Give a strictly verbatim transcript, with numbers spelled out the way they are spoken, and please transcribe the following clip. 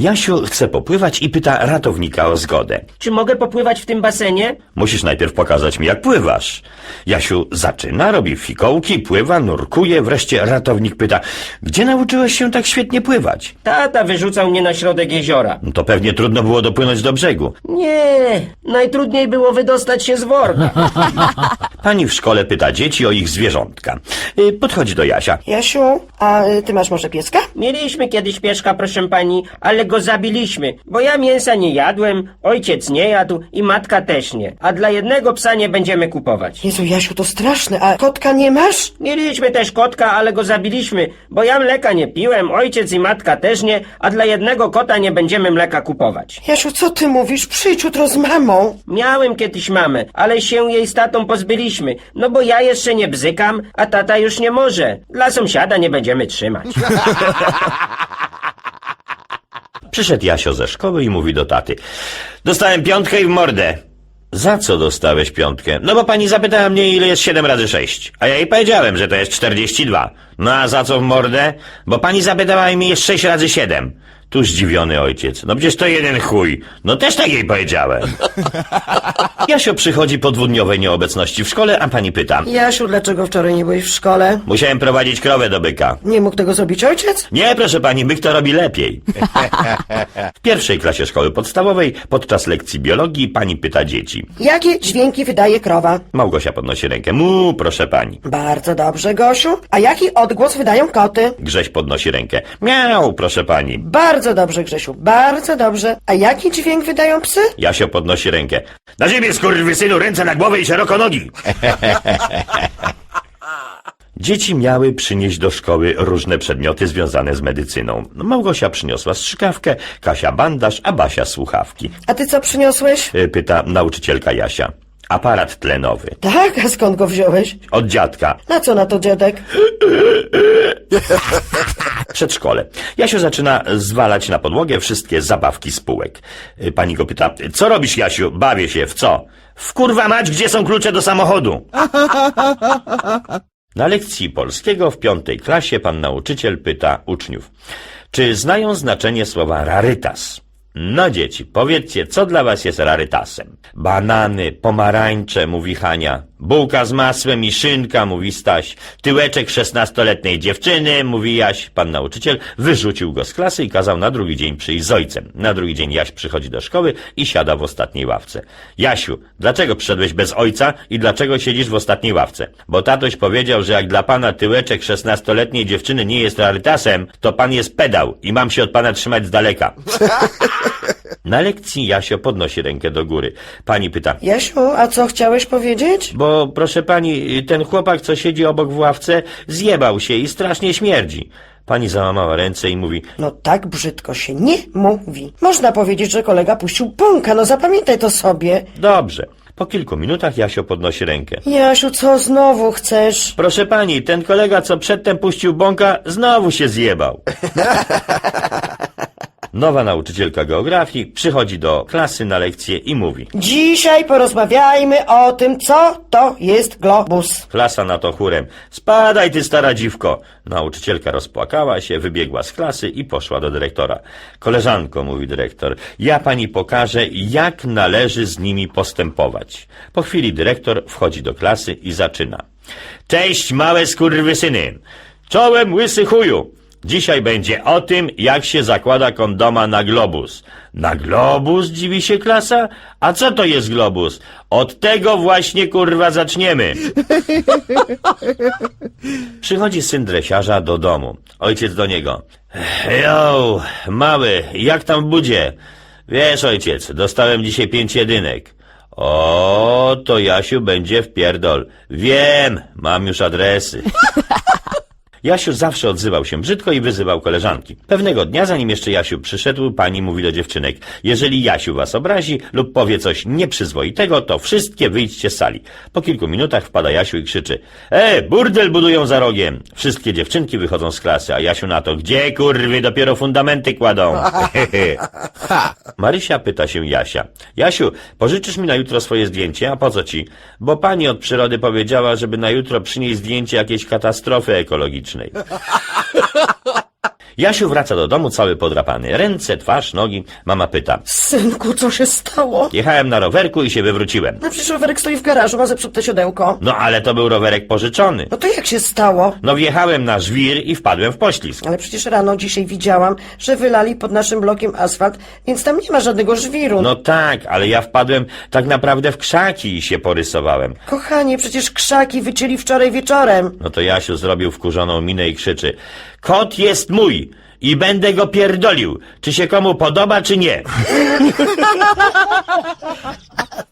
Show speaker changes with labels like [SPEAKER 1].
[SPEAKER 1] Jasiu chce popływać i pyta ratownika o zgodę.
[SPEAKER 2] Czy mogę popływać w tym basenie?
[SPEAKER 1] Musisz najpierw pokazać mi, jak pływasz. Jasiu zaczyna, robi fikołki, pływa, nurkuje, wreszcie ratownik pyta, gdzie nauczyłeś się tak świetnie pływać?
[SPEAKER 2] Tata wyrzucał mnie na środek jeziora.
[SPEAKER 1] No to pewnie trudno było dopłynąć do brzegu.
[SPEAKER 2] Nie, najtrudniej było wydostać się z worka.
[SPEAKER 1] Pani w szkole pyta dzieci o ich zwierzątka. Y, Podchodzi do Jasia.
[SPEAKER 3] Jasiu, a y, ty masz może pieska?
[SPEAKER 2] Mieliśmy kiedyś pieszka, proszę pani, ale go zabiliśmy, bo ja mięsa nie jadłem, ojciec nie jadł i matka też nie. A dla jednego psa nie będziemy kupować.
[SPEAKER 3] Jezu, Jasiu, to straszne, a kotka nie masz?
[SPEAKER 2] Mieliśmy też kotka, ale go zabiliśmy, bo ja mleka nie piłem, ojciec i matka też nie, a dla jednego kota nie będziemy mleka kupować.
[SPEAKER 3] Jasiu, co ty mówisz? Przyjdź jutro z mamą.
[SPEAKER 2] Miałem kiedyś mamę, ale się jej z tatą pozbyliśmy, no bo ja jeszcze nie bzykam, a tata już nie może. Dla sąsiada nie będziemy trzymać.
[SPEAKER 1] Przyszedł Jasio ze szkoły i mówi do taty. Dostałem piątkę i w mordę. Za co dostałeś piątkę? No bo pani zapytała mnie, ile jest siedem razy sześć. A ja jej powiedziałem, że to jest czterdzieści dwa. No a za co w mordę? Bo pani zapytała mi, jest sześć razy siedem. Tu zdziwiony ojciec. No przecież to jeden chuj. No też tak jej powiedziałem. Jasio przychodzi po dwudniowej nieobecności w szkole, a pani pyta.
[SPEAKER 3] Jasiu, dlaczego wczoraj nie byłeś w szkole?
[SPEAKER 1] Musiałem prowadzić krowę do byka.
[SPEAKER 3] Nie mógł tego zrobić ojciec?
[SPEAKER 1] Nie, proszę pani, byk to robi lepiej. W pierwszej klasie szkoły podstawowej, podczas lekcji biologii, pani pyta dzieci.
[SPEAKER 3] Jakie dźwięki wydaje krowa?
[SPEAKER 1] Małgosia podnosi rękę. Mu, proszę pani.
[SPEAKER 3] Bardzo dobrze, Gosiu. A jaki odgłos wydają koty?
[SPEAKER 1] Grześ podnosi rękę. Miau, proszę pani.
[SPEAKER 3] Bardzo dobrze, Grzesiu, bardzo dobrze. A jaki dźwięk wydają psy?
[SPEAKER 1] Jasio podnosi rękę. Na ziemię, skurwysynu, ręce na głowę i szeroko nogi. Dzieci miały przynieść do szkoły różne przedmioty związane z medycyną. Małgosia przyniosła strzykawkę, Kasia bandaż, a Basia słuchawki.
[SPEAKER 3] A ty co przyniosłeś?
[SPEAKER 1] Y, Pyta nauczycielka Jasia. Aparat tlenowy.
[SPEAKER 3] Tak, a skąd go wziąłeś?
[SPEAKER 1] Od dziadka.
[SPEAKER 3] Na co na to, dziadek?
[SPEAKER 1] Przedszkole. Jasiu zaczyna zwalać na podłogę wszystkie zabawki z półek. Y, Pani go pyta, co robisz, Jasiu? Bawię się. W co? W kurwa mać, gdzie są klucze do samochodu? Na lekcji polskiego w piątej klasie pan nauczyciel pyta uczniów, czy znają znaczenie słowa rarytas? No dzieci, powiedzcie, co dla was jest rarytasem? Banany, pomarańcze, mówi Hania. Bułka z masłem i szynka, mówi Staś. Tyłeczek szesnastoletniej dziewczyny, mówi Jaś. Pan nauczyciel wyrzucił go z klasy i kazał na drugi dzień przyjść z ojcem. Na drugi dzień Jaś przychodzi do szkoły i siada w ostatniej ławce. Jasiu, dlaczego przyszedłeś bez ojca i dlaczego siedzisz w ostatniej ławce? Bo tatoś powiedział, że jak dla pana tyłeczek szesnastoletniej dziewczyny nie jest rarytasem, to pan jest pedał i mam się od pana trzymać z daleka. Na lekcji Jasio podnosi rękę do góry. Pani pyta.
[SPEAKER 3] Jasiu, a co chciałeś powiedzieć?
[SPEAKER 1] Bo, proszę pani, ten chłopak, co siedzi obok w ławce, zjebał się i strasznie śmierdzi. Pani załamała ręce i mówi.
[SPEAKER 3] No tak brzydko się nie mówi. Można powiedzieć, że kolega puścił bąka, no zapamiętaj to sobie.
[SPEAKER 1] Dobrze. Po kilku minutach Jasio podnosi rękę.
[SPEAKER 3] Jasiu, co znowu chcesz?
[SPEAKER 1] Proszę pani, ten kolega, co przedtem puścił bąka, znowu się zjebał. Nowa nauczycielka geografii przychodzi do klasy na lekcję i mówi.
[SPEAKER 3] Dzisiaj porozmawiajmy o tym, co to jest globus.
[SPEAKER 1] Klasa na to chórem. Spadaj, ty stara dziwko. Nauczycielka rozpłakała się, wybiegła z klasy i poszła do dyrektora. Koleżanko, mówi dyrektor, ja pani pokażę, jak należy z nimi postępować. Po chwili dyrektor wchodzi do klasy i zaczyna. Cześć, małe skurwysyny. Czołem, łysy chuju. Dzisiaj będzie o tym, jak się zakłada kondoma na globus. Na globus, dziwi się klasa? A co to jest globus? Od tego właśnie, kurwa, zaczniemy. Przychodzi syn dresiarza do domu. Ojciec do niego. Jo, mały, jak tam w budzie? Wiesz, ojciec, dostałem dzisiaj pięć jedynek. O, to Jasiu będzie w pierdol. Wiem, mam już adresy. Jasiu zawsze odzywał się brzydko i wyzywał koleżanki. Pewnego dnia, zanim jeszcze Jasiu przyszedł, pani mówi do dziewczynek. Jeżeli Jasiu was obrazi lub powie coś nieprzyzwoitego, to wszystkie wyjdźcie z sali. Po kilku minutach wpada Jasiu i krzyczy. E, burdel budują za rogiem. Wszystkie dziewczynki wychodzą z klasy, a Jasiu na to. Gdzie, kurwy, dopiero fundamenty kładą. Marysia pyta się Jasia. Jasiu, pożyczysz mi na jutro swoje zdjęcie? A po co ci? Bo pani od przyrody powiedziała, żeby na jutro przynieść zdjęcie jakiejś katastrofy ekologicznej. Jasiu wraca do domu cały podrapany. Ręce, twarz, nogi. Mama pyta.
[SPEAKER 3] Synku, co się stało?
[SPEAKER 1] Jechałem na rowerku i się wywróciłem.
[SPEAKER 3] No przecież rowerek stoi w garażu, ma zepsute siodełko.
[SPEAKER 1] No ale to był rowerek pożyczony.
[SPEAKER 3] No to jak się stało?
[SPEAKER 1] No wjechałem na żwir i wpadłem w poślizg.
[SPEAKER 3] Ale przecież rano dzisiaj widziałam, że wylali pod naszym blokiem asfalt, więc tam nie ma żadnego żwiru.
[SPEAKER 1] No tak, ale ja wpadłem tak naprawdę w krzaki i się porysowałem.
[SPEAKER 3] Kochanie, przecież krzaki wycięli wczoraj wieczorem.
[SPEAKER 1] No to Jasiu zrobił wkurzoną minę i krzyczy. Kot jest mój i będę go pierdolił. Czy się komu podoba, czy nie?